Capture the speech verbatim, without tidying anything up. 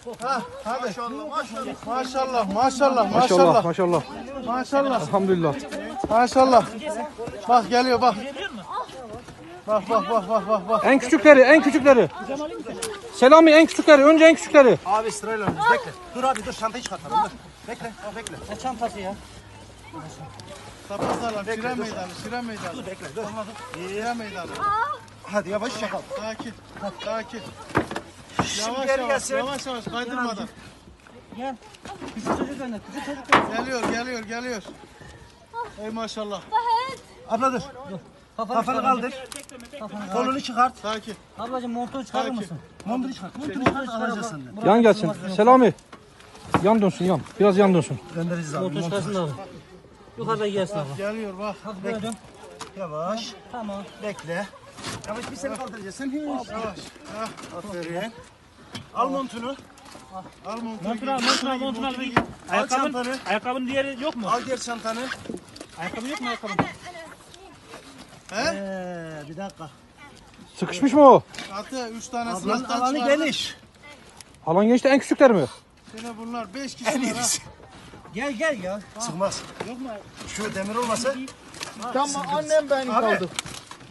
Ha, hadi. Maşallah maşallah. Maşallah, maşallah, Maşallah maşallah. maşallah. Maşallah. Elhamdülillah. Maşallah. Bak geliyor bak. Bak bak bak bak bak bak. En küçükleri, en küçükleri. Selami en küçükleri, önce en küçükleri. Abi sırayla önümüz bekle. Dur abi dur çantayı çıkartalım dur. Bekle bekle. Ne çantası ya? Tapazlarla Şire meydanı, Şire meydanı. Dur bekle dur. Şire meydanı. Hadi yavaş çakal. Sakin, sakin. Şimdi Yavaş geri yavaş, gelsin. yavaş yavaş kaydırmadan. Gel. Küçük çocuk önüne. Küçük çocuk önüne. Geliyor, geliyor, geliyor. Ey maşallah. Abla dur. Kafanı kaldır. Kolunu çıkart. Sakin. Ablacığım montunu çıkarır Sakin. mısın? Montunu çıkart. Montunu çıkart alacağız senden. Yan gelsin. Selami. Yan dönsün yan. Biraz yan dönsün. Göndereceğiz abi. Montunu çıkarsın abi. Yukarıda gelsin abi. Geliyor bak. Hadi böyle dön. Yavaş. Tamam. Bekle. Yavaş bir seni kaldıracağız. Sen hiç. Yavaş. Ha, Aferin. Al montunu. al montunu. Montunu al, montunu al, montunu al. Al Ayakkabın, çantanı. ayakkabının diğeri yok mu? Al diğer çantanı. Ayakkabın yok mu ayakkabın? He? Ee, bir dakika. Sıkışmış mı o? Atı üç tane Ablanın sınıftan alanı çıkardı. geniş. Alan gençte en küçükler mi? Yine bunlar beş En kişi var ha. iyisi. Gel gel ya. Sıkmaz. Şu demir olmasa. Tamam annem beni Abi. kaldı.